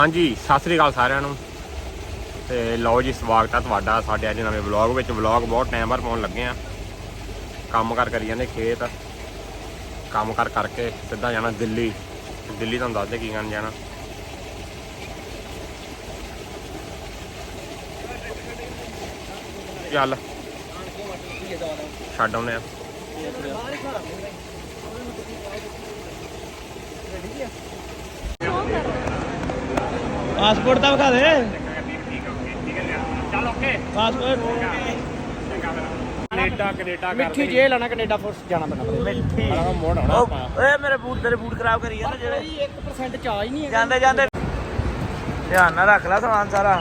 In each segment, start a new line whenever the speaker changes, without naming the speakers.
हाँ जी सत श्री अकाल सारिਆਂ ਨੂੰ ਤੇ ਲਓ ਜੀ ਸਵਾਗਤ ਹੈ ਤੁਹਾਡਾ ਸਾਡੇ ਅੱਜ ਨਵੇਂ ਵਲੌਗ ਵਿੱਚ। ਵਲੌਗ ਬਹੁਤ ਟਾਈਮ ਬਾਅਦ ਪਾਉਣ ਲੱਗੇ ਆ। ਕੰਮ ਕਰ ਕਰੀ ਜਾਂਦੇ ਖੇਤ, ਕੰਮ ਕਰ ਕਰਕੇ ਸਿੱਧਾ ਜਾਣਾ ਦਿੱਲੀ। ਦਿੱਲੀ ਤੁਹਾਨੂੰ ਦੱਸਦੇ ਕੀ ਕਰਨ ਜਾਣਾ। ਚੱਲ ਛੱਡ ਆਉਂਦੇ ਆ।
पासपोर्ट तो बता दे।
चल ओके
पासपोर्ट
कनेडा कनेडा
मिठी जेल आना कनेडा फोर्स जाना पैना मिठी
मोड़ होना
ओए मेरे बूट तेरे बूट खराब करी है ना जेड़े 1% चार्ज नहीं है जांदे जांदे ध्यान ना रख ला सामान सारा।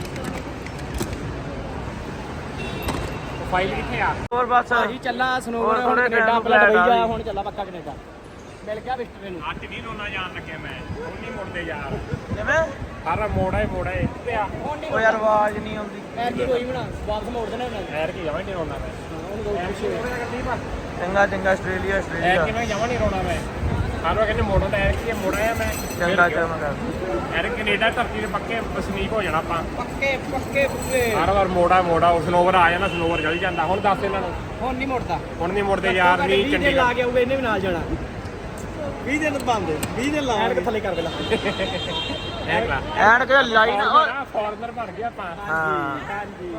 फाइल किथे आ
और बस
ਅਸੀਂ
ਚੱਲਾ ਸਨੋਵਰ ਹੁਣ ਕੈਨੇਡਾ ਆਪਣਾ ਦੁਬਈ ਜਾ ਹੁਣ ਚੱਲਾ ਪੱਕਾ ਕੈਨੇਡਾ ਮਿਲ ਗਿਆ ਵਿਸਟਰੇ ਨੂੰ।
ਅੱਜ ਨਹੀਂ ਰੋਣਾ ਜਾਣ ਲੱਗੇ ਮੈਂ ਹੁਣ ਨਹੀਂ ਮੁੜਦੇ ਯਾਰ।
ਕਿਵੇਂ
ਸਾਰਾ ਮੋੜਾ ਹੀ ਪਿਆ।
ਉਹ ਯਾਰ ਆਵਾਜ਼ ਨਹੀਂ ਆਉਂਦੀ ਐਰ ਕੀ ਕੋਈ ਬਣਾ ਵਾਪਸ ਮੋੜ ਦੇਣਾ ਉਹਨਾਂ
ਐਰ ਕੀ ਜਮਾਂ ਨਹੀਂ ਰੋਣਾ ਮੈਂ।
ਉਹਨੂੰ ਦੋ ਚੰਗਾ ਚੰਗਾ ਆਸਟ੍ਰੇਲੀਆ
ਐਰ ਕੀ ਮੈਂ ਜਮਾਂ ਨਹੀਂ ਰੋਣਾ ਮੈਂ। ਸਾਰਾ ਕਹਿੰਦੇ ਮੋੜੋ ਤਾਂ ਐਰ ਕੀ ਮੋੜਾ ਆ ਮੈਂ।
ਚੰਗਾ ਚੰਗਾ
ਐਰ ਕੈਨੇਡਾ ਧਰਤੀ ਦੇ ਪੱਕੇ ਵਸਨੀਕ ਹੋ ਜਾਣਾ ਆਪਾਂ।
ਪੱਕੇ ਪੱਕੇ ਪੱਕੇ
ਹਰ ਵਾਰ ਮੋੜਾ ਉਹ ਸਨੋਵਰ ਆ ਜਾਂਦਾ ਸਨੋਵਰ ਚਲ ਜਾਂਦਾ। ਹੁਣ ਦੱਸ ਇਹਨਾਂ ਨੂੰ
ਹੁਣ ਨਹੀਂ ਮੁੜਦਾ
ਹੁਣ ਨਹੀਂ ਮੁੜਦੇ ਯਾਰ। ਨਹੀਂ ਚੰਡੀਗੜ੍ਹ
ਲਾ ਕੇ ਆਊਗਾ ਇਹਨੇ ਵੀ ਨਾਲ ਜਾਣਾ 20 ਦਿਨ ਬੰਦ 20 ਦਿਨ ਲਾ ਐਨਕ ਥੱਲੇ ਕਰ ਪਹਿਲਾਂ ਐਨਕ ਲਾਈਨ
ਫੋਰਨਰ ਬਣ ਗਿਆ ਆਪਾਂ।
ਹਾਂ
ਹਾਂਜੀ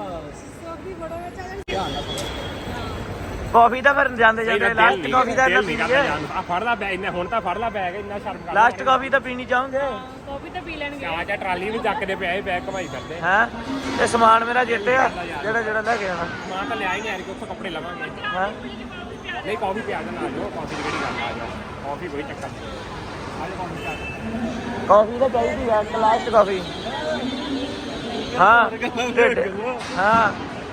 ਕਾਫੀ ਤਾਂ ਫਿਰ ਜਾਂਦੇ ਜਾਂਦੇ ਲਾਸਟ ਕਾਫੀ ਦਾ ਪੀ ਲਈਏ।
ਆ ਫੜ ਲਾ ਬੈਗ ਇੰਨਾ ਹੁਣ ਤਾਂ ਫੜ ਲਾ ਬੈਗ ਇੰਨਾ ਸ਼ਰਮ ਕਰ।
ਲਾਸਟ ਕਾਫੀ ਤਾਂ ਪੀਣੀ ਚਾਹੋਗੇ?
ਕਾਫੀ ਤਾਂ ਪੀ ਲੈਣਗੇ।
ਆ ਜਾ ਟਰਾਲੀ ਵੀ ਚੱਕਦੇ ਪਿਆ ਇਹ ਬੈਗ ਘਮਾਈ ਕਰਦੇ।
ਹੈ ਇਹ ਸਮਾਨ ਮੇਰਾ ਜਿੱਤੇ ਆ ਜਿਹੜਾ ਲੈ ਕੇ ਆਣਾ।
ਸਮਾਨ ਤਾਂ ਲਿਆ ਹੀ ਨਹੀਂ ਯਾਰ ਕਿ ਉੱਥੋਂ ਕੱਪੜੇ ਲਵਾਂਗੇ।
ਹੈ
ਨਹੀਂ ਕਾਫੀ ਪਿਆ ਦੇਣਾ ਆ ਜਾਓ। ਕਾਫੀ ਦੀ ਕਿਹੜੀ ਗੱਲ ਆ ਜਾਓ। ਕਾਫੀ ਕੋਈ ਚੱਕਰ ਨਹੀਂ। ਆ ਜਾ ਕਾਫੀ ਚੱਕ।
ਕਾਫੀ ਤਾਂ ਚਾਹੀਦੀ ਆ ਲਾਸਟ ਕਾਫੀ। ਹਾਂ ਹਾਂ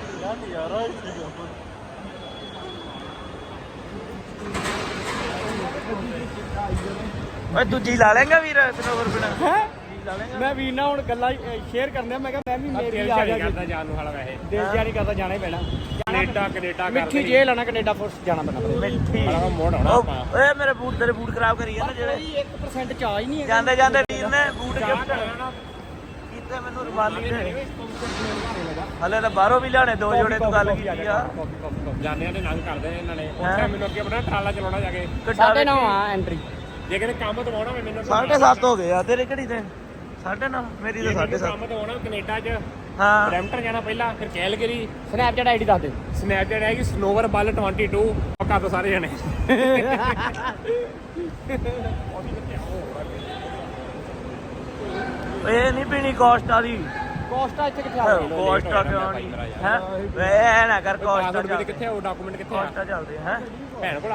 ਓਏ ਦੂਜੀ ਲਾ ਲੇਗਾ ਵੀਰ ਸਨੋਵਰ ਬਿਨਾ ਹੈ ਮੈਂ ਵੀਰ ਨਾਲ ਹੁਣ ਗੱਲਾਂ ਸ਼ੇਅਰ ਕਰਨੇ ਮੈਂ ਕਿਹਾ ਮੈਂ ਵੀ ਮੇਰੀ ਆ ਗਿਆ
ਕਰਦਾ ਜਾਣ ਨੂੰ ਹਾਲਾ ਵੈਸੇ
ਦੇਸ਼ ਜਾਰੀ ਕਰਦਾ ਜਾਣਾ ਹੀ ਪੈਣਾ।
ਕੈਨੇਡਾ
ਮਿੱਠੀ ਜੇਲ ਆਣਾ ਕੈਨੇਡਾ ਫੋਰਸ ਜਾਣਾ ਪੈਣਾ ਮਿੱਠੀ
ਮੋੜ ਹੋਣਾ ਆਪਾਂ।
ਓਏ ਮੇਰੇ ਬੂਟ ਤੇਰੇ ਬੂਟ ਖਰਾਬ ਕਰੀ ਹੈ ਨਾ ਜਿਹੜੇ 1% ਚਾਰਜ ਨਹੀਂ ਹੈ। ਜਾਂਦੇ ਜਾਂਦੇ ਵੀਰ ਨੇ ਬੂਟ ਗਿਫਟ ਕੀਤੇ ਮੈਨੂੰ ਰੁਮਾਲੀ ਦੇ। ਹਲੇ ਤਾਂ ਬਾਹਰੋਂ ਵੀ ਲਿਆਣੇ ਦੋ ਜੋੜੇ ਤੂੰ ਗੱਲ ਕੀਤੀ ਆ।
ਜਾਣਿਆਂ ਦੇ ਨੰਗ ਕਰਦੇ ਨੇ ਇਹਨਾਂ ਨੇ। ਉੱਥੇ ਮੈਨੂੰ ਅੱਗੇ ਆਪਣਾ ਟਰਾਲਾ ਚਲਾਉਣਾ ਜਾ ਕੇ
9:30 ਆ ਐਂਟਰੀ।
ਜੇ ਕਿਤੇ ਕੰਮ ਦਵਾਉਣਾ ਹੋਵੇ ਮੈਨੂੰ
7:30 ਹੋ ਗਏ ਆ ਤੇਰੇ ਕਿਹੜੀ ਤੇ 9:30 ਮੇਰੀ ਤਾਂ 7:30।
ਕੰਮ ਦਵਾਉਣਾ ਕੈਨੇਡਾ 'ਚ
ਹਾਂ
ਬਰੈਂਪਟਨ ਜਾਣਾ ਪਹਿਲਾਂ ਫਿਰ ਕੈਲਗਰੀ।
ਸਨੈਪਚੈਟ ਆਈਡੀ ਦੱਸ ਦੇ।
ਸਨੈਪਚੈਟ ਹੈਗੀ ਸਨੋਵਰ ਬੱਲ 22 ਪੱਕਾ ਤੋਂ ਸਾਰੇ ਜਣੇ।
ਇਹ ਨਹੀਂ ਪੀਣੀ ਕੋਸਟਾ ਦੀ।
ਕੋਸਟਾ ਇੱਥੇ ਕਿੱਥੇ ਆ ਗਈ?
ਕੋਸਟਾ ਕਿਉਂ ਨਹੀਂ ਹੈ ਵੇ ਨਾ ਕਰ ਕੋਸਟਾ
ਪਾਸਪੋਰਟ ਕਿੱਥੇ ਆ ਉਹ ਡਾਕੂਮੈਂਟ ਕਿੱਥੇ ਆ
ਕੋਸਟਾ ਚੱਲਦੇ ਹੈ
ਭੈਣ ਕੋਲ ਆ।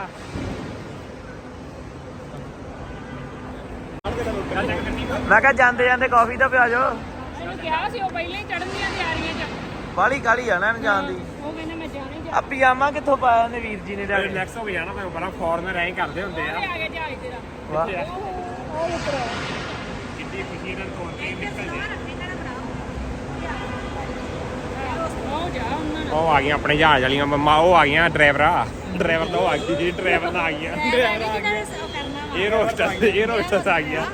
ਮੈਂ ਕਿਹਾ ਜਾਂਦੇ ਜਾਂਦੇ ਕਾਫੀ ਤਾਂ ਪਿਆ ਜਾਓ।
ਇਹਨੂੰ ਕਿਹਾ ਸੀ ਉਹ ਪਹਿਲਾਂ ਹੀ ਚੜਨ ਦੀਆਂ ਤਿਆਰੀਆਂ 'ਚ।
ਬਾਲੀ ਕਾਲੀ ਆ ਨਾ ਜਾਣ ਦੀ।
ਉਹ ਕਹਿੰਦਾ ਮੈਂ ਜਾਣੇ ਜਾ
ਆ ਪਜਾਮਾ ਕਿੱਥੋਂ ਪਾਇਆ ਨੇ ਵੀਰ ਜੀ ਨੇ ਜਾ ਕੇ?
ਰਿਲੈਕਸ ਹੋ ਕੇ ਜਾਣਾ ਮੈਂ ਬੜਾ ਫੋਰਨਰ ਐਂ ਕਰਦੇ ਹੁੰਦੇ ਆ।
ਆ ਗਿਆ ਜਹਾਜ਼ ਤੇਰਾ।
ਵਾਹ
ਉਹ ਉੱਪਰ
ਕਿੰਨੀ ਖੁਸ਼ੀ ਨਾਲ ਤੋੜ ਕੇ ਨਿਕਲਦੇ।
ਉਹ ਜਾ ਉਹਨਾਂ ਨਾਲ।
ਉਹ ਆ ਗਈਆਂ ਆਪਣੇ ਜਹਾਜ਼ ਵਾਲੀਆਂ ਮੰਮਾ। ਉਹ ਆ ਗਈਆਂ ਡਰਾਈਵਰ ਤਾਂ ਉਹ ਆ ਗਈ ਜੀ ਡਰਾਈਵਰ ਤਾਂ ਆ ਗਈਆਂ। ਇਹ ਰੋਸਟਸ ਆ ਗਈਆਂ।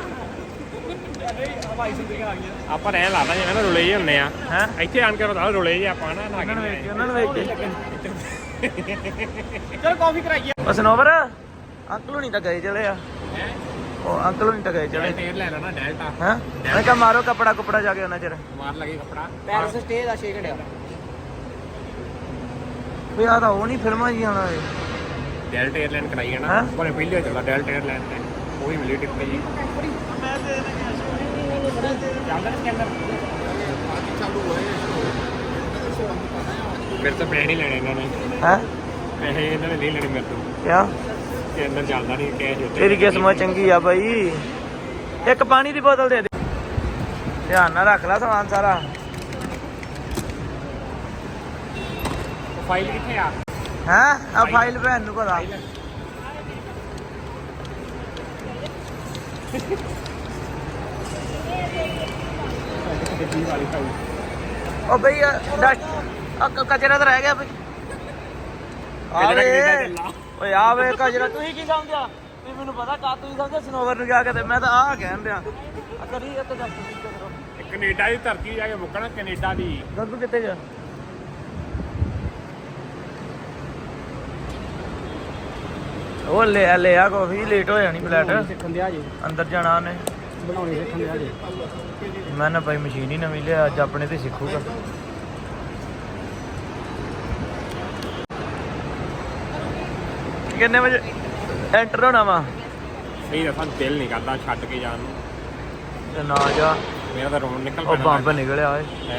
ਆਪਾਂ ਰਹਿਣ ਲਾ ਦਾਂਗੇ ਨਾ ਰੁਲੇ ਜਿਹੇ ਹੁੰਦੇ ਆ।
ਹੈ
ਇੱਥੇ ਆਣ ਕੇ ਰੋਦਾ ਰੁਲੇ ਜਿਹੇ ਆਪਾਂ ਨਾ
ਉਹਨਾਂ ਨੂੰ ਵੇਖ ਕੇ
ਚਲ ਕਾਫੀ ਕਰਾਈਏ।
ਬਸ ਨੋਵਰ ਅੰਕਲ ਹੁਣੀ ਤਾਂ ਗਏ ਚਲੇ ਆ। ਉਹ ਅੰਕਲ ਹੁਣੀ ਤਾਂ ਗਏ ਚਲੇ
ਟੇਰ ਲੈ ਲੈਣਾ ਡੈਲਟਾ।
ਹੈ ਮੈਂ ਕਿਹਾ ਮਾਰੋ ਕੱਪੜਾ ਜਾ ਕੇ ਉਹਨਾਂ ਚਿਰ
ਮਾਰ ਲਗੇ ਕੱਪੜਾ।
ਪੈਰਿਸ ਸਟੇ ਦਾ 6 ਘੰਟਿਆਂ ਵੀ ਆ ਤਾਂ ਉਹ ਨਹੀਂ ਫਿਲਮਾਂ ਜੀ ਆਣਾ ਏ।
ਡੈਲਟਾ 에ਅਰਲਾਈਨ ਕਰਾਈ ਹੈ ਨਾ।
ਹੈਂ?
ਪਰ ਪਹਿਲੇ ਚੱਲਦਾ ਡੈਲਟਾ 에ਅਰਲਾਈਨ ਤੇ ਉਹ ਵੀ ਮਿਲੀ ਟਿਕਟ ਜੀ।
ਮੈਂ ਤੇ
ਚੱਲਦਾ ਨਹੀਂ ਸਕੈਨਰ ਮੇਰੇ ਤੋਂ ਪੈਸੇ ਨਹੀਂ ਲੈਣੇ ਇਹਨਾਂ ਨੇ।
ਹੈ
ਪੈਸੇ ਇਹਨਾਂ ਨੇ ਨਹੀਂ ਲੈਣੇ ਮੇਰੇ ਤੋਂ।
ਕਿਆ
ਸਕੈਨਰ ਚੱਲਦਾ ਨਹੀਂ ਕੈਸ਼ ਉੱਤੇ।
ਤੇਰੀ ਕਿਸਮਤ ਚੰਗੀ ਆ ਬਾਈ। ਇੱਕ ਪਾਣੀ ਦੀ ਬੋਤਲ ਦੇ ਦੇ। ਧਿਆਨ ਨਾਲ ਰੱਖ ਲੈ ਸਮਾਨ ਸਾਰਾ।
ਫਾਈਲ ਕਿੱਥੇ ਆ?
ਹੈ ਆ ਫਾਈਲ ਭੈਣ ਨੂੰ ਪਤਾ। ਉਹ ਬਈ ਡਸਟ ਕਚਰਾ ਤਾਂ ਰਹਿ ਗਿਆ ਬਈ। ਓਏ ਆ ਵੇ ਕਚਰਾ ਤੁਸੀਂ ਕੀ ਸਮਝਿਆ? ਵੀ ਮੈਨੂੰ ਪਤਾ ਕਾ ਤੁਸੀਂ ਸਮਝਿਆ ਸਨੋਵਰ ਨੂੰ ਕਿਹਾ ਕਦੇ ਮੈਂ ਤਾਂ ਆਹ ਕਹਿਣ ਦਿਆਂ ਆ ਕਰੀ ਇੱਕ ਦੱਸ ਕਰੋ
ਕੈਨੇਡਾ ਦੀ ਧਰਤੀ ਜਾ ਕੇ ਮੁੱਕਣਾ ਕੈਨੇਡਾ ਦੀ।
ਗੱਗੂ ਕਿੱਥੇ ਗਿਆ ਉਹ ਲੈ ਆ ਕਾਫੀ ਲੇਟ ਹੋ ਜਾਣੀ ਫਲੈਟ
ਸਿੱਖਣ ਦਿਆ ਜੇ
ਅੰਦਰ ਜਾਣਾ ਉਹਨੇ
ਬਣਾਉਣੀ ਸਿੱਖਣ ਦਿਆ ਜੇ
ਮੈਂ ਨਾ ਭਾਈ ਮਸ਼ੀਨ ਹੀ ਨਵੀਂ ਲਿਆ ਅੱਜ ਆਪਣੇ ਤੇ ਸਿੱਖੂਗਾ ਕਿੰਨੇ ਵਜੇ ਐਂਟਰ ਹੋਣਾ ਵਾ
ਸਹੀ ਦੱਸਾਂ ਦਿਲ ਨਹੀਂ ਕਰਦਾ ਛੱਡ ਕੇ ਜਾਣ ਨੂੰ।
ਤੇ ਨਾ ਜਾ
ਮੇਰਾ ਤਾਂ ਰੋਣ ਨਿਕਲ
ਉਹ ਬੰਬ ਨਿਕਲਿਆ ਓਏ
ਹੈ।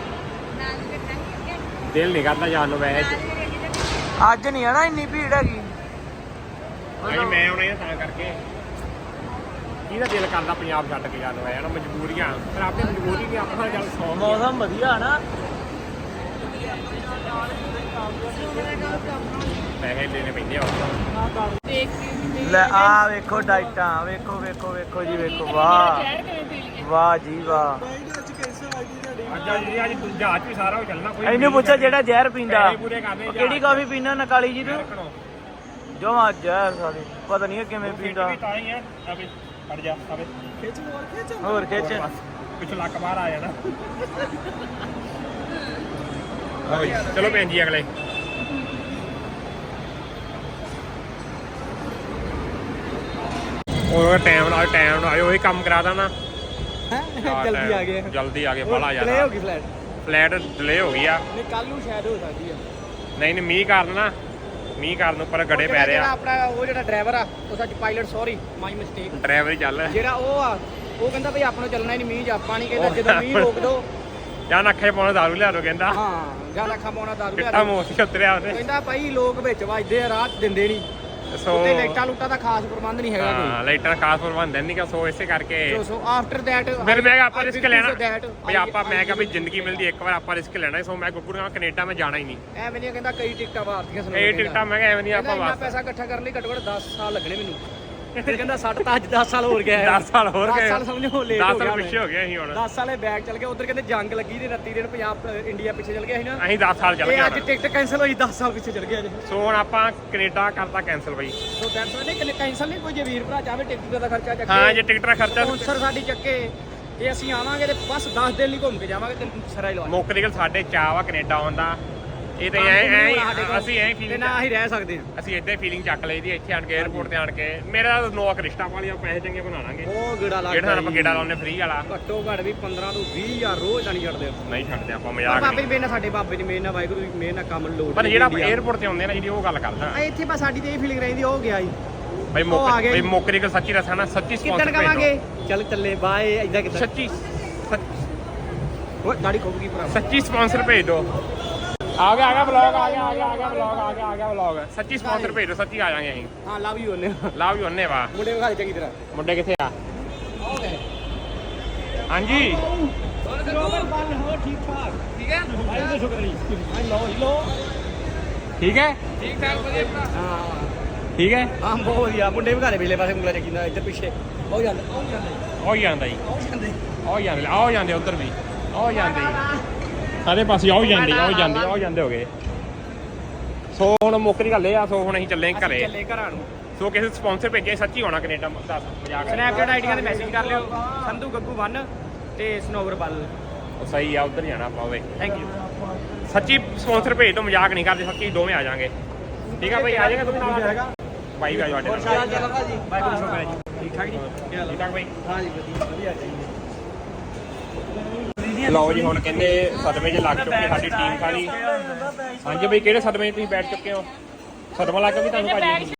ਦਿਲ ਨਹੀਂ ਕਰਦਾ ਜਾਣ ਨੂੰ ਵੈਸੇ।
ਅੱਜ ਨਹੀਂ ਆਣਾ ਇੰਨੀ ਭੀੜ ਹੈਗੀ
ਭਾਈ ਮੈਂ ਆਉਣਾ ਹੀ ਤਾਂ ਕਰਕੇ ਕਿਹਦਾ ਦਿਲ ਕਰਦਾ ਪੰਜਾਬ ਛੱਡ ਕੇ ਜਾਣ ਨੂੰ ਹੈ ਨਾ ਮਜਬੂਰੀਆਂ ਪਰ ਆਪਣੀ ਮਜਬੂਰੀ ਵੀ ਆਪਣਾ ਚੱਲ ਸੌ
ਮੌਸਮ ਵਧੀਆ ਨਾ
ਪੈਸੇ ਦੇਣੇ ਪੈਂਦੇ ਆ ਉੱਥੋਂ।
ਦੇਖ ਕੇ
ਲੈ ਆ ਵੇਖੋ ਡਾਈਟਾਂ ਵੇਖੋ ਵੇਖੋ ਵੇਖੋ ਜੀ ਵੇਖੋ ਵਾਹ ਵਾਹ ਜੀ ਵਾਹ
ਅੱਜ ਜਹਾਜ਼ ਵੀ ਸਾਰਾ ਉਹ ਚੱਲਣਾ ਕੋਈ
ਇਹਨੂੰ ਪੁੱਛੋ ਜਿਹੜਾ ਜ਼ਹਿਰ ਪੀਂਦਾ
ਪੈਸੇ ਪੂਰੇ ਕਰਨੇ
ਉਹ ਕਿਹੜੀ ਕਾਫੀ ਪੀਂਦਾ ਨਕਾਲੀ ਜੀ ਤੂੰ ਜਮਾ ਜ਼ਹਿਰ ਸਾਲੀ ਪਤਾ ਨਹੀਂ ਕਿਵੇਂ ਪੀਂਦਾ
ਤਾਂ ਹੀ ਆ ਅਬੇ ਫੜ ਜਾ ਅਬੇ
ਹੋਰ ਖਿੱਚ
ਪਿੱਛੋਂ ਲੱਕ ਬਾਹਰ ਆ ਜਾਣਾ। ਚਲੋ ਭੈਣ ਜੀ ਅਗਲੇ ਉਹ ਟਾਈਮ ਨਾਲ ਉਹੀ ਕੰਮ ਕਰਾ ਦੇਣਾ।
ਜਲਦੀ ਆ ਗਏ
ਜਲਦੀ ਆ ਗਏ ਬੜਾ
ਡਿਲੇ
ਜ਼ਿਆਦਾ
ਹੋ ਗਈ ਫਲੈਟ
ਫਲੈਟ ਡਿਲੇ ਹੋ ਗਈ ਆ।
ਨਹੀਂ ਕੱਲ ਨੂੰ ਸ਼ਾਇਦ ਹੋ ਸਕਦੀ ਆ
ਨਹੀਂ ਮੀਂਹ ਕਾਰਨ ਨਾ ਮੀਂਹ ਕਾਰਨ ਉੱਪਰ ਗੜੇ ਪੈ ਰਹੇ ਆ।
ਆਪਣਾ ਉਹ ਜਿਹੜਾ ਡਰਾਈਵਰ ਆ ਉਹ ਸੱਚ pilot sorry my mistake
driver ਹੀ ਚੱਲ
ਜਿਹੜਾ ਉਹ ਆ ਉਹ ਕਹਿੰਦਾ ਭਈ ਆਪਾਂ ਨੂੰ ਚੱਲਣਾ ਹੀ ਨਹੀਂ ਮੀਂਹ 'ਚ ਆਪਾਂ ਨਹੀਂ ਕਹਿੰਦਾ ਜਦੋਂ ਮੀਂਹ ਰੋਕ ਦੋ
ਜਾਂ ਨੱਖੇ ਪਾਉਣਾ ਦਾਰੂ ਲਿਆ ਦੋ ਕਹਿੰਦਾ
ਹਾਂ ਜਾਂ ਲੱਖਾਂ ਪਾਉਣਾ ਦਾਰੂ ਲਿਆ
ਕਿੱਟਾ
ਦਿਓ।
ਮੋਸੀ ਉਤਰਿਆ ਉਹਨੇ।
ਕਹਿੰਦਾ ਭਾਈ ਲੋਕ ਵਿੱਚ ਵੱਜਦੇ ਆ ਰਾਤ ਦਿੰਦੇ ਨਹੀਂ
ਸੋ
ਉੱਤੇ ਲਾਈਟਾਂ ਲੂਟਾਂ ਦਾ ਖਾਸ ਪ੍ਰਬੰਧ ਨਹੀਂ ਹੈਗਾ
ਹਾਂ ਲਾਈਟਾਂ ਖਾਸ ਪ੍ਰਬੰਧ ਨਹੀਂ ਕਿ ਸੋ ਇਸੇ ਕਰਕੇ
ਕੋਈ ਸੋ ਆਫਟਰ ਦੈਟ
ਫਿਰ ਮੈਂ ਕਿਹਾ ਆਪਾਂ ਰਿਸਕ ਲੈਣਾ ਵੀ ਆਪਾਂ ਮੈਂ ਕਿਹਾ ਵੀ ਜ਼ਿੰਦਗੀ ਮਿਲਦੀ ਇੱਕ ਵਾਰ ਆਪਾਂ ਰਿਸਕ ਲੈਣਾ ਸੋ ਮੈਂ ਗੁੱਗੂ ਨਾਲ ਕੈਨੇਡਾ ਮੈਂ ਜਾਣਾ ਹੀ ਨਹੀਂ।
ਐਵੇਂ ਨਹੀਂ ਕਹਿੰਦਾ ਕਈ ਟਿਕਟਾਂ ਮਾਰਤੀਆਂ ਸੁਣੋ
ਇਹ ਟਿਕਟਾਂ ਮੈਂ ਕਿਹਾ ਐਵੇਂ ਨਹੀਂ ਆਪਾਂ
ਇੰਨਾ
ਬਸ
ਪੈਸਾ ਇਕੱਠਾ ਕਰਨ ਲਈ ਘੱਟੋ ਘੱਟ 10 ਸਾਲ ਲੱਗਣੇ ਮੈਨੂੰ ਫਿਰ ਕਹਿੰਦਾ 60 ਤਾਂ ਅੱਜ 10 ਸਾਲ ਹੋਰ ਗਿਆ
10 ਸਾਲ ਹੋਰ
10
ਗਏ
ਸਾਲ ਸਮਝੋ ਲੇਟ
10
ਹੋ ਗਿਆ
ਸਾਲ ਪਿੱਛੇ ਹੋ ਗਏ ਅਸੀਂ ਹੁਣ
10 ਸਾਲੇ ਬੈਗ ਚੱਲ ਗਿਆ ਉਧਰ ਕਹਿੰਦੇ ਜੰਗ ਲੱਗੀ ਤੇ 29 ਦਿਨ ਪੰਜਾਬ ਇੰਡੀਆ ਪਿੱਛੇ ਚੱਲ ਗਿਆ ਸੀ ਨਾ
ਅਸੀਂ 10 ਸਾਲ ਚੱਲ
ਇਹ
ਗਏ
ਅੱਜ
ਹੁਣ।
ਟਿਕਟ ਕੈਨਸਲ ਹੋਈ 10 ਸਾਲ ਪਿੱਛੇ ਚੱਲ ਗਿਆ ਜੇ
ਸੋ ਹੁਣ ਆਪਾਂ ਕੈਨੇਡਾ ਕਰਤਾ ਕੈਨਸਲ ਬਈ।
ਸੋ ਦੈਟਸ ਵਾਈ ਨਹੀਂ ਕੈਨਸਲ ਨਹੀਂ ਕੋਈ ਜੇ ਵੀਰ ਭਰਾ ਚਾਹੇ ਟਿਕਟ ਦਾ ਖਰਚਾ ਚੱਕੇ
ਹਾਂ ਜੇ ਟਿਕਟ ਦਾ ਖਰਚਾ
ਸਪਾਂਸਰ ਸਾਡੀ ਚੱਕੇ ਤੇ ਅਸੀਂ ਆਵਾਂਗੇ ਤੇ ਬਸ 10 ਦਿਨ ਲਈ ਘੁੰਮ ਕੇ ਜਾਵਾਂਗੇ ਤੇ ਸਰਾ ਹੀ ਲਵਾ
ਮੁੱਖ ਨਿਕਲ ਸਾਡੇ ਚਾਹ ਵਾ ਕੈਨੇਡਾ ਆਉਣ ਦਾ। ਇਹ ਤਾਂ ਅਸੀਂ ਐਂ
ਤੇ
ਫੀਲਿੰਗ
ਨਾ ਅਸੀਂ ਰਹਿ ਸਕਦੇ ਹਾਂ
ਅਸੀਂ ਇੱਦਾਂ ਫੀਲਿੰਗ ਚੱਕ ਲਈ ਦੀ ਇੱਥੇ ਆਣ ਕੇ 에어ਪੋਰਟ ਤੇ ਆਣ ਕੇ ਮੇਰਾ ਨੋਕ ਰਿਸ਼ਤਾ ਵਾਲੀਆਂ ਪੈਸੇ ਚੰਗੇ ਬਣਾ ਲਾਂਗੇ
ਉਹ ਗੇੜਾ
ਜਿਹੜਾ
ਲੱਗਦਾ
ਆਪਾਂ ਗੇੜਾ ਲਾਉਣੇ ਫ੍ਰੀ ਵਾਲਾ
ਘੱਟੋ ਘੱਟ ਵੀ 15 ਤੋਂ 20000 ਰੋਜ਼ ਤਾਂ ਨਹੀਂ ਛੱਡਦੇ ਆਪਾਂ
ਨਹੀਂ ਛੱਡਦੇ ਆਪਾਂ
ਪਰ
ਮਜ਼ਾਕ
ਬਾਬੇ
ਨਹੀਂ।
ਦੀ ਮੇਨ ਨਾਲ ਸਾਡੇ ਬਾਬੇ ਦੀ ਮੇਨ ਨਾਲ ਵਾਹਿਗੁਰੂ ਦੀ ਮੇਨ ਨਾਲ ਕੰਮ ਲੋੜ
ਪਰ ਜਿਹੜਾ 에어ਪੋਰਟ ਤੇ ਆਉਂਦੇ ਨਾ ਜਿਹੜੀ ਉਹ ਗੱਲ ਕਰਦਾ
ਆ ਇੱਥੇ ਬਸ ਸਾਡੀ ਤੇ ਇਹ ਫੀਲਿੰਗ ਰਹਿੰਦੀ ਉਹ ਗਿਆ ਜੀ
ਬਈ
ਉਹ ਆ ਗਏ।
ਬਈ ਮੁੱਕ ਨਿਕਲ ਸੱਚੀ ਦੱਸਾਂ ਨਾ ਸੱਚੀ
ਕਿੱਦਣ
ਸਪਾਂਸਰ
ਕਵਾਂਗੇ ਚੱਲ ਚੱਲੇ ਬਾਏ ਇਦਾਂ ਕਿਦਾਂ
ਸੱਚੀ
ਉਹ ਦਾੜੀ ਖੋਬਗੀ ਭਰਾ
ਸੱਚੀ ਸਪਾਂਸਰ ਭੇਜ ਦਿਓ। ਆ ਗਿਆ ਵਲੌਗ ਆ ਗਿਆ ਵਲੌਗ ਸੱਚੀ ਸਪਾਂਸਰ ਭੇਜ ਦਿਓ ਸੱਚੀ ਆ ਜਾਾਂਗੇ ਅਸੀਂ।
ਹਾਂ ਲਵ ਯੂ ਉਹਨੇ
ਲਾਭ ਹੀ ਉਹਨੇ ਵਾ
ਮੁੰਡੇ ਵਿਖਾ ਦੇ ਚੰਗੀ ਤਰ੍ਹਾਂ
ਮੁੰਡੇ ਕਿੱਥੇ ਆ ਹਾਂਜੀ
ਬਰੋਬਰ ਬੰਨ ਹੋ ਠੀਕ ਠਾਕ ਠੀਕ ਹੈ ਭਾਈ ਦਾ ਸ਼ੁਕਰ ਨਹੀਂ ਲੋ
ਠੀਕ ਹੈ
ਠੀਕ ਠਾਕ ਵਧੀਆ ਭਰਾ ਹਾਂ
ਠੀਕ ਹੈ
ਹਾਂ ਬਹੁਤ ਵਧੀਆ ਮੁੰਡੇ ਵਿਖਾ ਦੇ ਪਿਛਲੇ ਪਾਸੇ ਉਂਗਲਾ ਚੱਕੀ ਨਾ ਇੱਧਰ ਪਿੱਛੇ ਉਹ ਜਾਂਦਾ
ਉਹ ਹੀ ਜਾਂਦਾ ਜੀ
ਉਹ ਜਾਂਦੇ
ਆਓ ਜਾਂਦੇ ਉੱਧਰ ਵੀ ਆਓ ਜਾਂਦੇ ਸਾਰੇ ਪਾਸੇ ਆਓ ਜਾਂਦੇ ਹੋ ਗਏ। ਸੋ ਹੁਣ ਮੁੱਕਰੀ ਗੱਲ ਇਹ ਆ ਸੋ ਹੁਣ ਅਸੀਂ ਚੱਲੇ ਘਰੇ
ਚੱਲੇ ਘਰਾਂ ਨੂੰ
ਸੋ ਕਿਸੇ ਸਪਾਂਸਰ ਭੇਜੇ ਸੱਚੀ ਹੋਣਾ ਕੈਨੇਡਾ ਦੱਸ ਮਜ਼ਾਕ ਨਹੀਂ।
ਸਨੈਪਚੈਟ ਆਈਡੀਆਂ ਤੇ ਮੈਸੇਜ ਕਰ ਲਿਓ ਸੰਧੂ ਗੱਗੂ 1 ਤੇ ਸਨੋਵਰ ਬੱਲ
ਉਹ ਸਹੀ ਆ ਉੱਧਰ ਜਾਣਾ ਆਪਾਂ ਓਏ
ਥੈਂਕ ਯੂ
ਸੱਚੀ ਸਪਾਂਸਰ ਭੇਜ ਦੋ ਮਜ਼ਾਕ ਨਹੀਂ ਕਰਦੇ ਸੱਚੀ ਦੋਵੇਂ ਆ ਜਾਾਂਗੇ। ਠੀਕ ਆ ਭਾਈ ਆ ਜਾਏਗਾ ਤੁਸੀਂ ਨਾਲ ਭਾਈ ਵੀ ਆ ਜਾਓ
ਹੋਰ
ਸਾਡੇ
ਚੱਲ ਭਾਜੀ ਵਾਹਿਗੁਰੂ ਸ਼ੁਕਰ ਹੈ ਜੀ ਠੀਕ ਠਾਕ ਜੀ
ਠੀਕ ਠਾਕ ਭਾਈ।
ਹਾਂ ਜੀ ਵਧੀਆ ਚਾਹੀਦਾ
ਲਓ ਜੀ ਹੁਣ ਕਹਿੰਦੇ ਸਦਮੇ 'ਚ ਲੱਗ ਚੁੱਕੀ ਸਾਡੀ ਟੀਮ ਸਾਰੀ। ਹਾਂਜੀ ਬਈ ਕਿਹੜੇ ਸਦਮੇ 'ਚ ਤੁਸੀਂ ਬੈਠ ਚੁੱਕੇ ਹੋ? ਸਦਮਾ ਲੱਗ ਕੇ ਵੀ ਤੁਹਾਨੂੰ ਭਾਜੀ